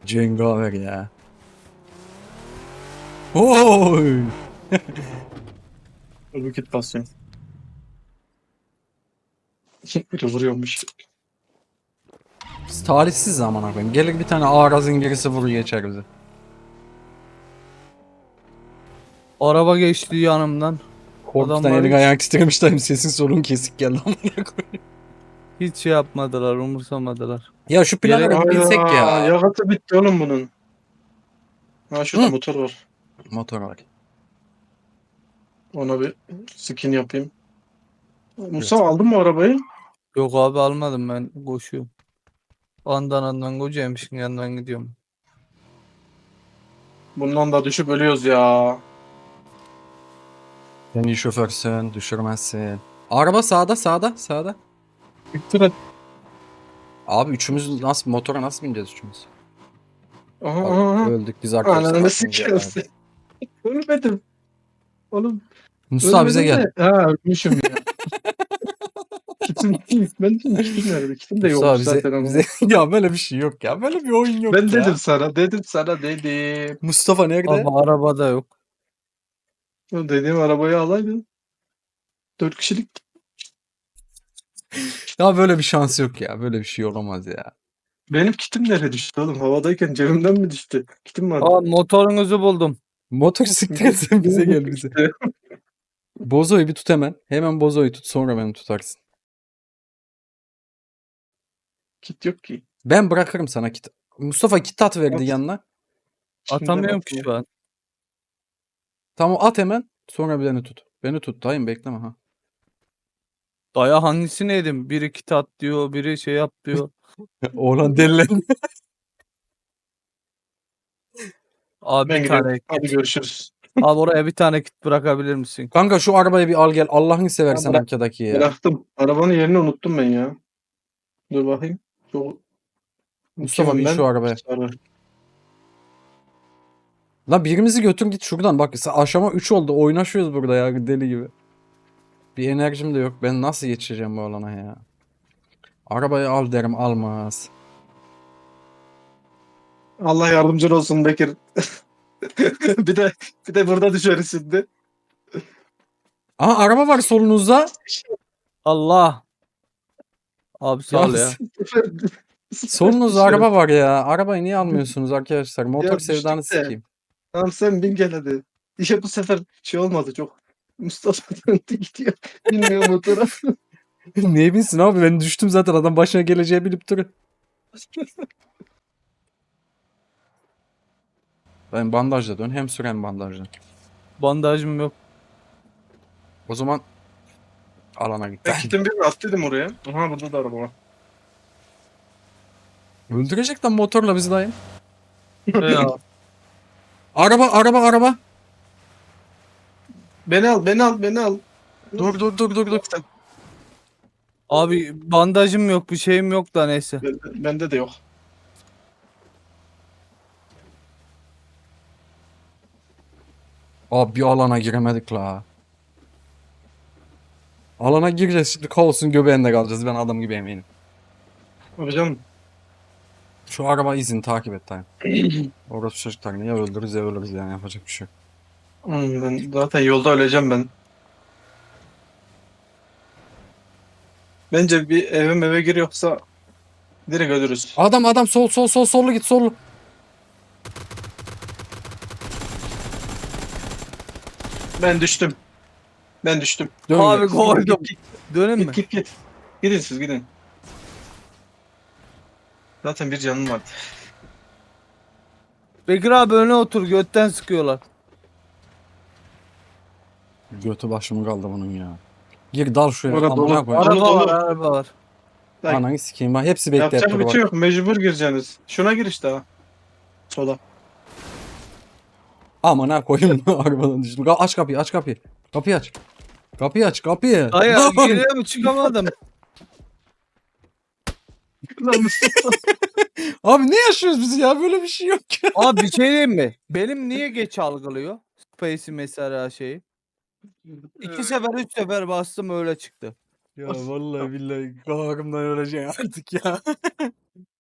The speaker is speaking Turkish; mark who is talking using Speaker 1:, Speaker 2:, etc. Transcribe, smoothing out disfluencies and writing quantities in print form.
Speaker 1: Cengaver ya. Oy!
Speaker 2: Roket basıyorum. Biri vuruyormuş.
Speaker 1: Biz talihsiz zaman koyayım. Gelir bir tane ağraz İngiliz'i vurur geçer bizi.
Speaker 3: Araba geçti yanımdan.
Speaker 1: Korkudan
Speaker 3: Adamlar
Speaker 1: elin
Speaker 3: hiç,
Speaker 1: ayağın titremişler. Sesin solun kesik geldi amına koyayım.
Speaker 3: hiç şey yapmadılar, umursamadılar.
Speaker 1: Ya şu
Speaker 3: Yere
Speaker 1: planlara bir binsek
Speaker 2: Hayda.
Speaker 1: ya.
Speaker 2: Yakıtı bitti oğlum bunun. Ha şurada
Speaker 1: Hı.
Speaker 2: motor var.
Speaker 1: Motor var.
Speaker 2: Ona bir skin yapayım. Musa
Speaker 1: Evet.
Speaker 2: aldın mı arabayı?
Speaker 3: Yok abi almadım, ben koşuyorum. Andan kocaymışın yanından gidiyorum.
Speaker 2: Bundan da düşüp ölüyoruz ya.
Speaker 1: Sen iyi şoförsün, düşürmezsin. Araba sağda.
Speaker 2: Bitti mi?
Speaker 1: Abi üçümüz nasıl motora nasıl bineceğiz üçümüz?
Speaker 2: Aha
Speaker 1: Bak,
Speaker 2: aha.
Speaker 1: öldük biz arkadaşlar.
Speaker 2: Ananı
Speaker 1: Nasıl bineceğiz abi?
Speaker 2: sikiyorsun. Ölmedim. Oğlum
Speaker 1: Mustafa bize
Speaker 2: ölmedim
Speaker 1: gel.
Speaker 2: de. Ha ölmüşüm ya. Kitim, ben dedim kitim nerede? Kitim de
Speaker 1: Mustafa
Speaker 2: yokmuş
Speaker 1: bize
Speaker 2: zaten ama.
Speaker 1: bize ya böyle bir şey yok ya. Böyle bir oyun yok
Speaker 2: Ben
Speaker 1: ya.
Speaker 2: dedim sana.
Speaker 1: Mustafa nerede?
Speaker 3: Ama arabada yok.
Speaker 2: O dediğim arabayı alaydın. 4 kişilik.
Speaker 1: Ya böyle bir şans yok ya. Böyle bir şey olamaz ya.
Speaker 2: Benim kitim nereye düştü oğlum? Havadayken cebimden mi düştü? Kitim vardı.
Speaker 3: Aa, motorunuzu buldum.
Speaker 1: Motor siktirsen bize gel bize. Bozo'yu bir tut hemen. Hemen Bozo'yu tut sonra beni tutarsın.
Speaker 2: Kit yok ki.
Speaker 1: Ben bırakırım sana kit. Mustafa kit at verdi
Speaker 2: At.
Speaker 1: yanına.
Speaker 3: Atamıyorum ki şu an.
Speaker 1: Tamam at hemen. Sonra beni tut. Beni tut dayım bekleme ha.
Speaker 3: Daya hangisini yedim? Biri kit at diyor, biri şey yap diyor.
Speaker 1: Oğlan delilendi.
Speaker 3: Abi
Speaker 2: Ben
Speaker 3: bir
Speaker 2: gidiyorum.
Speaker 3: tane
Speaker 2: Hadi
Speaker 3: kit.
Speaker 2: görüşürüz.
Speaker 3: Abi oraya bir tane kit bırakabilir misin?
Speaker 1: Kanka şu arabayı bir al gel. Allah'ını
Speaker 2: Ha,
Speaker 1: seversen arkadaki ya.
Speaker 2: bıraktım. Arabanın yerini unuttum ben ya. Dur bakayım. Çok
Speaker 1: Mustafa
Speaker 2: kimim
Speaker 1: bin
Speaker 2: ben?
Speaker 1: şu arabaya.
Speaker 2: Sarı.
Speaker 1: Lan birimizi götür git şuradan. Bak aşama 3 oldu. Oynaşıyoruz burada ya deli gibi. Bir enerjim de yok. Ben nasıl yetişeceğim bu alana ya? Arabayı al derim almaz.
Speaker 2: Allah yardımcın olsun Bekir. bir de burada düşeriz şimdi.
Speaker 1: Aha araba var solunuzda.
Speaker 3: Allah. Abi sağ ol ya.
Speaker 1: Solunuzda araba var ya. Arabayı niye almıyorsunuz arkadaşlar? Motor
Speaker 2: Ya
Speaker 1: sevdanı
Speaker 2: düştük de.
Speaker 1: sikeyim.
Speaker 2: Tamam sen bin gel hadi. İşte bu sefer şey olmadı çok. Mustafa döndü gidiyor. Bilmiyor motora.
Speaker 1: Niye bilsin abi ben düştüm zaten adam başına geleceği bilip duruyor. Ben bandajla dön hem süren bandajla.
Speaker 3: Bandajım yok.
Speaker 1: O zaman alana git.
Speaker 2: Ben gittim bir attıydım oraya. Aha burada da araba var.
Speaker 1: Öldürecek lan motorla bizi dayım.
Speaker 3: Ya.
Speaker 1: Araba.
Speaker 2: Beni al.
Speaker 1: Dur.
Speaker 3: Abi bandajım yok, bir şeyim yok da neyse.
Speaker 2: Bende de yok.
Speaker 1: Abi bir alana giremedik la. Alana gireceğiz şimdi kaosun göbeğinde kalacağız ben adam gibi eminim.
Speaker 2: Hocam
Speaker 1: Şu araba izini takip et dayım. Orası çocuklar ya öldürürüz ya ölürüz yani yapacak bir şey yok.
Speaker 2: ben zaten yolda öleceğim ben. Bence bir eve gir yoksa direkt ölürüz.
Speaker 1: Adam sollu git sollu.
Speaker 2: Ben düştüm.
Speaker 1: Dön
Speaker 3: Abi
Speaker 1: gel.
Speaker 3: koydum. Dönün mü?
Speaker 2: Git. Gidin siz gidin. Zaten bir canım vardı.
Speaker 3: Bekir abi öne otur, götten sıkıyorlar.
Speaker 1: Götü başımı kaldı bunun ya. Gir dal şuraya
Speaker 2: Orada
Speaker 1: amına
Speaker 2: dolu.
Speaker 1: koyayım.
Speaker 3: Araba var.
Speaker 2: Bak,
Speaker 1: Ananı sikeyim bak hepsi bekleyip
Speaker 2: yapacak
Speaker 1: dur
Speaker 2: bir
Speaker 1: bak.
Speaker 2: şey yok. Mecbur gireceksiniz. Şuna gir işte ha. Sola.
Speaker 1: Amına koyayım arabadan düştüm. Aç kapıyı. Kapıyı aç.
Speaker 3: Hayır,
Speaker 1: Lan!
Speaker 3: geriye mi çıkamadım?
Speaker 2: Lan Mustafa.
Speaker 1: Abi ne yaşıyoruz biz ya böyle bir şey yok ya.
Speaker 3: Abi bir şey diyeyim mi? Benim niye geç algılıyor? Space'i mesela şeyi. 2 sefer 3 sefer bastım öyle çıktı.
Speaker 1: Ya vallahi billahi kahrımdan öleceğim artık ya.